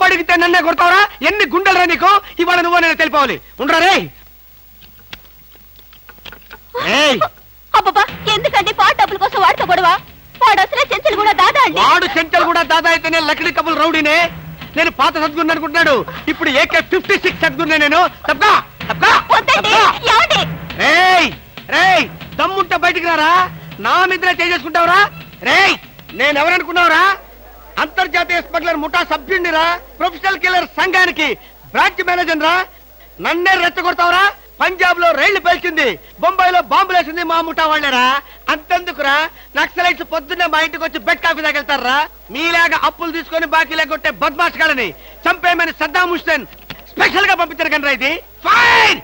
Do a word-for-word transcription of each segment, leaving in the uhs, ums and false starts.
అడిగితే నన్నే కొడతావరా? ఎన్ని గుండెలరా నీకు? ఇవాళ నువ్వు నేను తెలిపోవాలి. ఉండరా రే. అబ్బబ్బా, ఎందుకండి పాట డబ్బుల కోసం వాడితో గొడవ? వాడు అసలే చెంచలు కూడా దాదా అండి. వాడు చెంచలు కూడా దాదా అయితేనే లక్డీ కబుల్ రౌడీనే. నేను పాత సద్గురు అనుకుంటున్నాడు. ఇప్పుడు ఏకే ఫిఫ్టీ సిక్స్ సద్గురునే నేను. తప్పా తప్పా రేయ్, దమ్ముంటే బయటికి రారా. నా మీద చేసుకుంటావురా? రేయ్, నేనెవరనుకున్నావురా? అంతర్జాతీయ స్మగ్లర్ ముఠా సభ్యుడిరా. ప్రొఫెషనల్ కిల్లర్ సంఘానికి బ్రాంచ్ మేనేజర్ రా. నన్నే రెచ్చగొడతావురా? పంజాబ్ లో రైళ్లు పేల్చింది, బొంబాయిలో బాంబులు వేసింది మా ముఠా వాళ్ళేరా. అంతెందుకురా, నక్సలైట్స్ పొద్దున్నే మా ఇంటికి వచ్చి బెడ్ కాఫీ తాగెళ్తారా. మీలాగా అప్పులు తీసుకొని బాకీ లేకొట్టే బద్మాష్ గాలని చంపేయమని సద్దాం హుస్సేన్ స్పెషల్ గా పంపించారు కనరా. ఇది ఫైన్.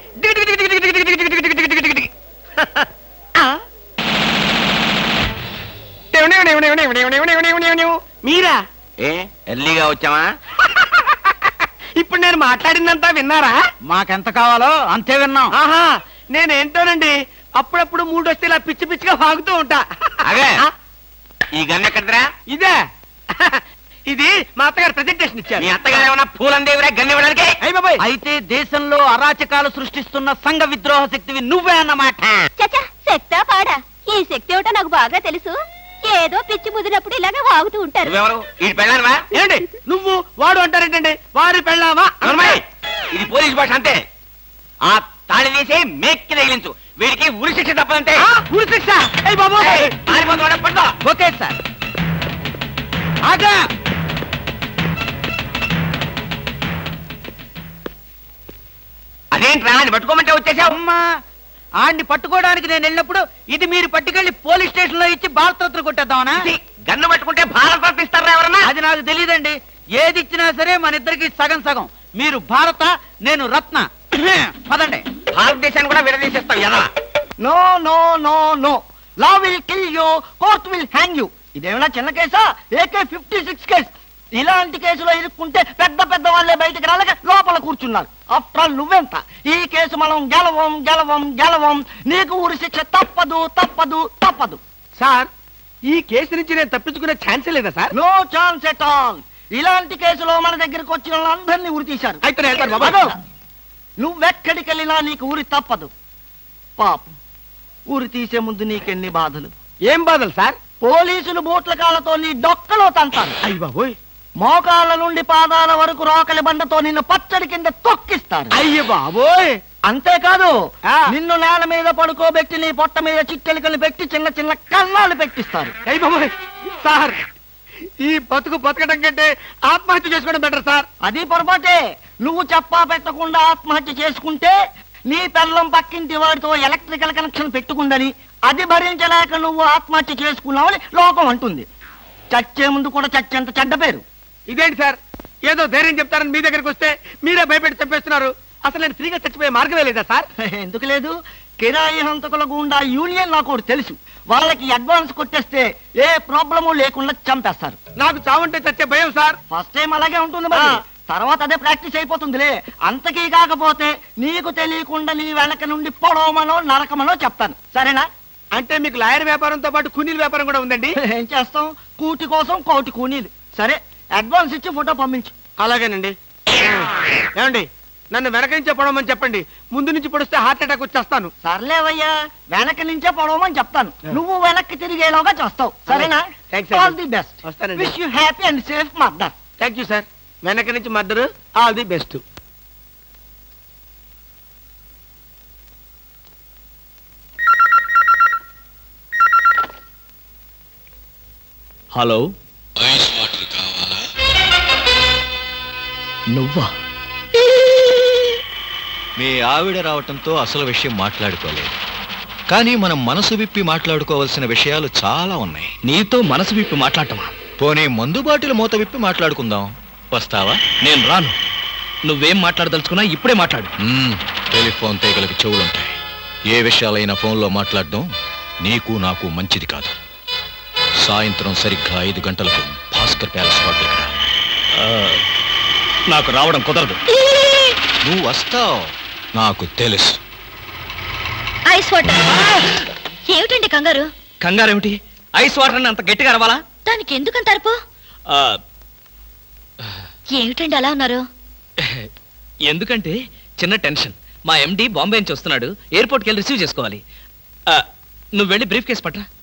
మీరా? ఏ ఎర్లీగా వచ్చావా? ఇప్పుడు నేను మాట్లాడిందంతా విన్నారా? మాకెంత కావాలో అంతే విన్నాం. ఆహా, నేనేంటోనండి అప్పుడప్పుడు మూడు వస్తే ఇలా పిచ్చి పిచ్చిగా వాగుతూ ఉంటా. అదే ఈ గన్ ఎక్కడరా? ఇదే. ఇది మా అత్తగారు ప్రెజెంటేషన్ ఇచ్చారు. మీ అత్తగారు ఏమన్నా పూలందేవిరా గన్ ఇవ్వడానికి? అయ్య బాబాయ్, అయితే దేశంలో అరాచకాలు సృష్టిస్తున్న సంఘ విద్రోహ శక్తివి నువ్వే అన్నమాట. చచ్చా, శక్తా పాడా? ఈ శక్తి ఏమిటో నాకు బాగా తెలుసు. ఏదో పిచ్చి ముదిరినప్పుడు ఇలాగే వాగుతూ ఉంటారు. నువ్వెవరు? ఈ పెళ్ళానవా? ఏంటి నువ్వు వాడు అంటారేంటండి? వారి పెళ్ళామా? ఇది పోలీస్ భాష అంతే. ఆ తాళి తీసి మేక్కి తగిలించు. వీడికి ఉరి శిక్ష తప్పదంటే. ఉరి శిక్ష? అయ్య బాబు, ఓకే సార్. ఆగా. అదేంట్రా అని పట్టుకోమంటే వచ్చేసావు? అమ్మా, ఆడిని పట్టుకోవడానికి నేను వెళ్ళినప్పుడు ఇది మీరు పట్టుకెళ్లి పోలీస్ స్టేషన్ లో ఇచ్చి భారతరత్న కొట్టేద్దామనా? గన్ను పట్టుకుంటే భారత ఇస్తారా ఎవరన్నా? అది నాకు తెలియదండి. ఏది ఇచ్చినా సరే మన ఇద్దరికి సగం సగం. మీరు భారత, నేను రత్న. పదండి. భారతదేశాన్ని కూడా విడదీసేస్తావు ఎలా? No no no no. Law will kill you, court will hang you. ఇదేమైనా చిన్న కేసా? AK fifty six case. ఇలాంటి కేసులో ఇరుక్కుంటే పెద్ద పెద్ద వాళ్ళే బయటకు రాలేక లోపల కూర్చున్నారు. ఆఫ్టర్ ఆల్ నువ్వెంత? ఈ కేసు మనం గెలవం గెలవం గెలవం. నీకు ఊరి శిక్ష తప్పదు తప్పదు తప్పదు. సార్, ఈ కేసు నుంచి నేను తప్పించుకునే ఛాన్సే లేదా sir? No chance at all. ఇలాంటి కేసులో మన దగ్గరకు వచ్చిన వాళ్ళందరినీ ఉరి తీశారు. అయితే నువ్వెక్కడికి వెళ్ళినా నీకు ఊరి తప్పదు. పాపం, ఊరి తీసే ముందు నీకెన్ని బాధలు. ఏం బాధలు సార్? పోలీసులు బూట్ల కాళ్ళతో నీ డొక్కలో తంతారు. అయ్య బాబోయ్. మోకాళ్ళ నుండి పాదాల వరకు రోకలి బండతో నిన్ను పచ్చడి కింద తొక్కిస్తారు. అయ్య బాబోయ్. అంతేకాదు, నిన్ను నేల మీద పడుకోబెట్టి నీ పొట్ట మీద చిట్టెలికలు పెట్టి చిన్న చిన్న కన్నాలు పెట్టిస్తారు. అయ్య బాబోయ్. సార్, ఈ బతుకు బతకడం కంటే ఆత్మహత్య చేసుకోవడం బెటర్ సార్. అది పొరపాటే. నువ్వు చెప్పా పెట్టకుండా ఆత్మహత్య చేసుకుంటే నీ పెళ్ళం పక్కింటి వాడితో ఎలక్ట్రికల్ కనెక్షన్ పెట్టుకుందని, అది భరించలేక నువ్వు ఆత్మహత్య చేసుకున్నావని లోకం అంటుంది. చచ్చే ముందు కూడా చచ్చేంత చెడ్డ పేరు. ఇదేంటి సార్, ఏదో ధైర్యం చెప్తారని మీ దగ్గరికి వస్తే మీరే భయపెట్టి చంపేస్తున్నారు. అసలు నేను ఫ్రీగా చచ్చిపోయే మార్గమే లేదా సార్? ఎందుకు లేదు? కిరాయి హంతకుల గుండా యూనియన్ నాకు ఒకటి తెలుసు. వాళ్ళకి అడ్వాన్స్ కొట్టేస్తే ఏ ప్రాబ్లము లేకుండా చంపేస్తారు. నాకు చావుంటే చచ్చే భయం సార్. ఫస్ట్ టైం అలాగే ఉంటుంది, మరి తర్వాత అదే ప్రాక్టీస్ అయిపోతుందిలే. అంతకీ కాకపోతే నీకు తెలియకుండా నీ వెనక నుండి పొడవమనో నరకమనో చెప్తాను. సరేనా? అంటే మీకు లాయర్ వ్యాపారంతో పాటు కూనీల వ్యాపారం కూడా ఉందండి. ఏం చేస్తాం, కూటి కోసం కోటి కూనీలు. సరే, అడ్వాన్స్ ఇచ్చి ఫోటో పంపించు. అలాగేనండి. ఏమండి, నన్ను వెనక నుంచే పొడవమని చెప్పండి. ముందు నుంచి పొడిస్తే హార్ట్ అటాక్ వచ్చేస్తాను. సర్లేవయ్యా, వెనక నుంచే పొడవమని చెప్తాను. నువ్వు వెనక్కి తిరిగేలాగా చేస్తావు. సరేనా? All the best. Wish you happy and safe murder. Thank you sir. వెనక నుంచి murder, all the best. Hello, ice water కావాలా? నువ్వా? మీ ఆవిడ రావటంతో అసలు విషయం మాట్లాడుకోలేదు, కానీ మనం మనసు విప్పి మాట్లాడుకోవాల్సిన విషయాలు చాలా ఉన్నాయి. నీతో మనసు విప్పి మాట్లాడటమా? పోనీ మందు బాటిల్ మూత విప్పి మాట్లాడుకుందాం. వస్తావా? నేను రాను. నువ్వేం మాట్లాడదలుచుకున్నా ఇప్పుడే మాట్లాడు. టెలిఫోన్ తీగలకి చెవులుంటాయి. ఏ విషయాలైనా ఫోన్లో మాట్లాడడం నీకు నాకు మంచిది కాదు. సాయంత్రం సరిగ్గా ఐదు గంటలకు భాస్కర్ ప్యాలెస్ హోటల్. నాకు రావడం కుదరదు. నువ్వు వస్తావు, నాకు తెలుసు. Ice water. ఏమిటండి కంగారు? కంగారేమిటి? ఐస్ వాటర్ అంత గట్టిగా అరవాలా? దానికి ఎందుకంత అరుపు? ఏమిటండి అలా ఉన్నారు? ఎందుకంటే చిన్న టెన్షన్. మా ఎండి బాంబే నుంచి వస్తున్నాడు, ఎయిర్పోర్ట్కి వెళ్ళి రిసీవ్ చేసుకోవాలి. ఆ, నువ్వు వెళ్ళి బ్రీఫ్ కేసు పట్రా.